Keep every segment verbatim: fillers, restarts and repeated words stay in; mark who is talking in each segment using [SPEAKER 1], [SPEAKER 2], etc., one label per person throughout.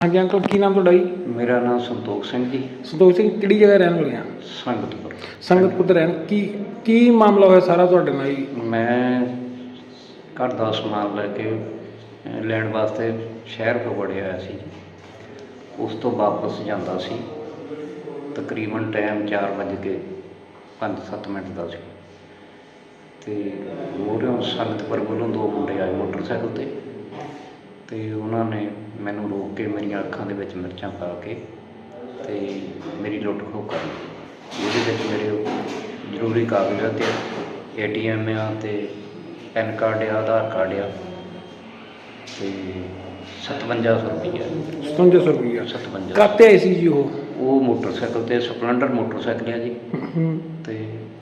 [SPEAKER 1] हाँ जी अंकल की नाम ਤੁਹਾਡਾ ਜੀ?
[SPEAKER 2] मेरा नाम संतोख सिंह जी।
[SPEAKER 1] ਸੰਤੋਖ ਸਿੰਘ ਕਿਹੜੀ ਜਗ੍ਹਾ ਰਹਿਣ ਵਾਲੇ ਆ?
[SPEAKER 2] संगतपुर।
[SPEAKER 1] ਸੰਗਤਪੁਰ ਦੇ ਰਹਿਣ ਕੀ ਕੀ ਮਾਮਲਾ ਹੋਇਆ ਸਾਰਾ ਤੁਹਾਡੇ ਨਾਲ ਜੀ?
[SPEAKER 2] मैं घर का समान लैके लैण वास्ते शहर तो वड़िया होया सी। उस तो वापस जांदा सी, तकरीबन टाइम चार बज के पाँच सत्त मिनट का सी ते मोहरियों संगतपुर वालों दो मुंडे आए मोटरसाइकिल ते ते उन्होंने मैनू रोक के मेरी अखां दे विच मिर्चां पा के ते मेरी लुੱਟ खोह कर ਉਹਦੇ ਵਿੱਚ ਮੇਰੇ ਜ਼ਰੂਰੀ ਕਾਗਜ਼ਾਤ ਏ ਟੀ ਐਮ ਆ ਤੇ ਪੈਨ ਕਾਰਡ ਆ ਆਧਾਰ ਕਾਰਡ ਆ ਤੇ ਸਤਵੰਜਾ ਸੌ ਰੁਪਈਆ
[SPEAKER 1] ਸਤਵੰਜਾ ਸੌ ਰੁਪਈਆ
[SPEAKER 2] ਸਤਵੰਜਾ
[SPEAKER 1] ਕਾਤੇ ਆਏ ਸੀ ਜੀ ਉਹ?
[SPEAKER 2] ਉਹ ਮੋਟਰਸਾਈਕਲ ਤੇ ਸਪਲੈਂਡਰ ਮੋਟਰਸਾਈਕਲ ਆ ਜੀ ਤੇ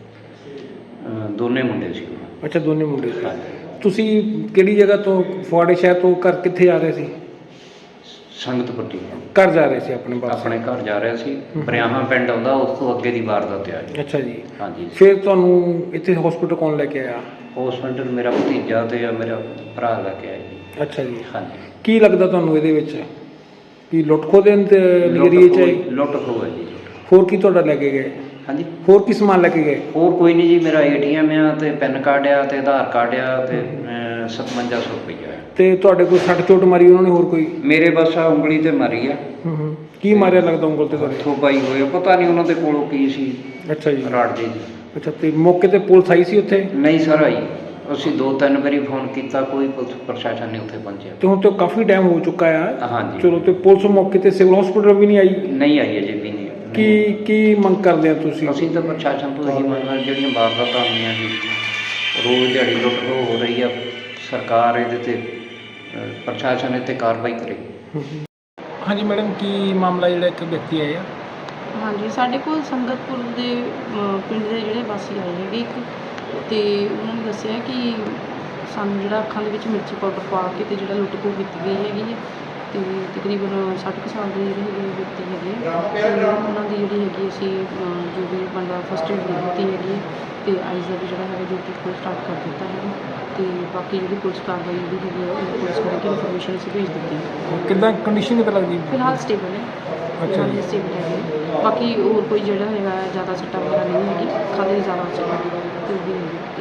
[SPEAKER 2] ਅ, ਦੋਨੇ ਮੁੰਡੇ ਸੀ ਉਹ।
[SPEAKER 1] ਅੱਛਾ ਦੋਨੇ ਮੁੰਡੇ ਸੀ।
[SPEAKER 2] ਹਾਂਜੀ।
[SPEAKER 1] ਤੁਸੀਂ ਕਿਹੜੀ ਜਗ੍ਹਾ ਤੋਂ ਫੁਆੜੇ ਸ਼ਹਿਰ ਤੋਂ ਘਰ ਕਿੱਥੇ ਜਾ ਰਹੇ ਸੀ?
[SPEAKER 2] ਸੰਗਤਪੁਰ ਜੀ
[SPEAKER 1] ਘਰ ਜਾ ਰਹੇ ਸੀ ਆਪਣੇ ਪਾਸ?
[SPEAKER 2] ਆਪਣੇ ਘਰ ਜਾ ਰਿਹਾ ਸੀ। ਬਰਿਆਹਾਂ ਪਿੰਡ ਆਉਂਦਾ, ਉਸ ਤੋਂ ਅੱਗੇ ਦੀ ਵਾਰਦਾਤ ਆ ਜੀ।
[SPEAKER 1] ਅੱਛਾ ਜੀ।
[SPEAKER 2] ਹਾਂਜੀ।
[SPEAKER 1] ਫਿਰ ਤੁਹਾਨੂੰ ਇੱਥੇ ਹਸਪੀਟਲ ਕੌਣ ਲੈ ਕੇ ਆਇਆ?
[SPEAKER 2] ਹੌਸਪੀਟਲ ਮੇਰਾ ਭਤੀਜਾ ਤੇ ਆ ਮੇਰਾ ਭਰਾ ਲੈ ਕੇ ਆਇਆ ਜੀ।
[SPEAKER 1] ਅੱਛਾ ਜੀ।
[SPEAKER 2] ਹਾਂਜੀ।
[SPEAKER 1] ਕੀ ਲੱਗਦਾ ਤੁਹਾਨੂੰ ਇਹਦੇ ਵਿੱਚ ਕੀ ਲੁੱਟ ਖੋਹ ਦੇ ਨਜ਼ਰੀਏ 'ਚ ਆਈ?
[SPEAKER 2] ਲੁੱਟ ਖੋਹ ਹੈ ਜੀ।
[SPEAKER 1] ਹੋਰ ਕੀ ਤੁਹਾਡਾ ਲੈ ਕੇ ਗਏ?
[SPEAKER 2] ਹਾਂਜੀ।
[SPEAKER 1] ਹੋਰ ਕੀ ਸਮਾਨ ਲੈ ਕੇ ਗਏ?
[SPEAKER 2] ਹੋਰ ਕੋਈ ਨਹੀਂ ਜੀ, ਮੇਰਾ ਏ ਟੀ ਐਮ ਆ ਤੇ ਪੈਨ ਕਾਰਡ ਆ ਤੇ ਆਧਾਰ ਕਾਰਡ ਆ ਤੇ ਸਤਵੰਜਾ ਸੌ ਰੁਪਈਆ ਆ।
[SPEAKER 1] ਤੇ ਤੁਹਾਡੇ ਕੋਈ ਸੱਟ ਚੋਟ ਮਾਰੀ ਉਹਨਾਂ ਨੇ ਹੋਰ ਕੋਈ?
[SPEAKER 2] ਮੇਰੇ ਬਸ ਆ ਉਂਗਲੀ ਤੇ ਮਾਰੀ ਆ।
[SPEAKER 1] ਹੂੰ ਹੂੰ। ਕੀ ਮਾਰਿਆ ਲੱਗਦਾ ਉਂਗਲ ਤੇ ਤੁਹਾਡੇ?
[SPEAKER 2] ਹੱਥੋਂ ਪਾਈ ਹੋਏ, ਪਤਾ ਨਹੀਂ ਉਹਨਾਂ ਦੇ ਕੋਲੋਂ ਕੀ ਸੀ।
[SPEAKER 1] ਅੱਛਾ ਜੀ।
[SPEAKER 2] ਰਾੜ ਜੀ।
[SPEAKER 1] ਅੱਛਾ ਤੇ ਮੌਕੇ ਤੇ ਪੁਲਿਸ ਆਈ ਸੀ ਉੱਥੇ?
[SPEAKER 2] ਨਹੀਂ ਸਰ ਆਈ, ਅਸੀਂ ਦੋ ਤਿੰਨ ਵਾਰੀ ਫੋਨ ਕੀਤਾ, ਕੋਈ ਪੁਲਿਸ ਪ੍ਰਸ਼ਾਸਨ ਨਹੀਂ ਉੱਥੇ ਪਹੁੰਚਿਆ।
[SPEAKER 1] ਤੇ ਹੁਣ ਤੇ ਕਾਫੀ ਟਾਈਮ ਹੋ ਚੁੱਕਾ ਆ।
[SPEAKER 2] ਹਾਂਜੀ।
[SPEAKER 1] ਚਲੋ ਤੇ ਪੁਲਿਸ ਮੌਕੇ ਤੇ ਸਿਵਲ ਹਸਪੀਟਲ ਵੀ ਨਹੀਂ ਆਈ?
[SPEAKER 2] ਨਹੀਂ ਆਈ ਅਜੇ ਵੀ ਨਹੀਂ।
[SPEAKER 1] ਕੀ ਕੀ ਮੰਗ ਕਰਦੇ ਆ ਤੁਸੀਂ?
[SPEAKER 2] ਅਸੀਂ ਤਾਂ ਪ੍ਰਸ਼ਾਸਨ ਤੋਂ ਇਹੀ ਮੰਗਦੇ ਜਿਹੜੀਆਂ ਵਾਰਦਾਤਾਂ ਹੋਈਆਂ ਜੀ, ਰੋਜ਼ ਦਿਹਾੜੀ ਲੁੱਟ ਖੋਹ ਹੋ ਰਹੀ ਆ, ਸਰਕਾਰ ਇਹਦੇ ਤੇ ਅ, ਪ੍ਰਸ਼ਾਸਨ ਇੱਥੇ ਕਾਰਵਾਈ ਕਰੇ।
[SPEAKER 1] ਹਾਂਜੀ ਮੈਡਮ, ਕੀ ਮਾਮਲਾ ਜਿਹੜਾ ਇੱਕ ਵਿਅਕਤੀ ਆਇਆ?
[SPEAKER 3] ਹਾਂਜੀ, ਸਾਡੇ ਕੋਲ ਸੰਗਤਪੁਰ ਦੇ ਅ, ਪਿੰਡ ਦੇ ਜਿਹੜੇ ਵਾਸੀ ਆਏ ਹੈਗੇ ਇੱਕ, ਅਤੇ ਉਹਨਾਂ ਨੇ ਦੱਸਿਆ ਕਿ ਸਾਨੂੰ ਜਿਹੜਾ ਅੱਖਾਂ ਦੇ ਵਿੱਚ ਮਿਰਚੀ ਪਾਊਡਰ ਪਾ ਕੇ ਅਤੇ ਜਿਹੜਾ ਲੁੱਟ ਖੋਹ ਕੀਤੀ ਗਈ ਹੈਗੀ ਹੈ ਅਤੇ ਤਕਰੀਬਨ ਸੱਠ ਕੁ ਸਾਲ ਦੇ ਜਿਹੜੇ ਹੈਗੇ ਵਿਅਕਤੀ ਹੈਗੇ ਆ ਅਤੇ ਉਹਨਾਂ ਦੀ ਜਿਹੜੀ ਹੈਗੀ ਅਸੀਂ ਅ, ਜੋ ਵੀ ਬਣਦਾ ਫਸਟ ਏਡ ਦੇ ਦਿੱਤੀ ਹੈਗੀ ਹੈ ਅਤੇ ਆਈਜ਼ ਦਾ ਵੀ ਜਿਹੜਾ ਹੈਗਾ ਜੋ ਕਿ ਕੋਈ ਸਟਾਰਟ ਕਰ ਦਿੱਤਾ ਹੈਗਾ ਅਤੇ ਬਾਕੀ ਜਿਹੜੀ ਪੁਲਿਸ ਕਾਰਵਾਈ ਜਿਹੜੀ ਹੈਗੀ ਹੈ ਉਹ ਪੁਲਿਸ ਕਰਕੇ ਇਨਫੋਰਮੇਸ਼ਨ ਅਸੀਂ ਭੇਜ ਦਿੱਤੀ ਹੈ।
[SPEAKER 1] ਕਿੱਦਾਂ ਕੰਡੀਸ਼ਨ ਕਿੱਦਾਂ ਲੱਗਦੀ?
[SPEAKER 3] ਫਿਲਹਾਲ ਸਟੇਬਲ ਹੈ।
[SPEAKER 1] ਅੱਛਾ ਜੀ।
[SPEAKER 3] ਸਟੇਬਲ ਹੈਗੇ, ਬਾਕੀ ਹੋਰ ਕੋਈ ਜਿਹੜਾ ਹੈਗਾ ਜ਼ਿਆਦਾ ਸੱਟਾਂ ਵਗੈਰਾ ਨਹੀਂ ਹੈਗੀ, ਖਾਲੀ ਜ਼ਿਆਦਾ ਸੱਟਾਂ ਤੇ ਉਹ ਵੀ ਹੈਗੀ।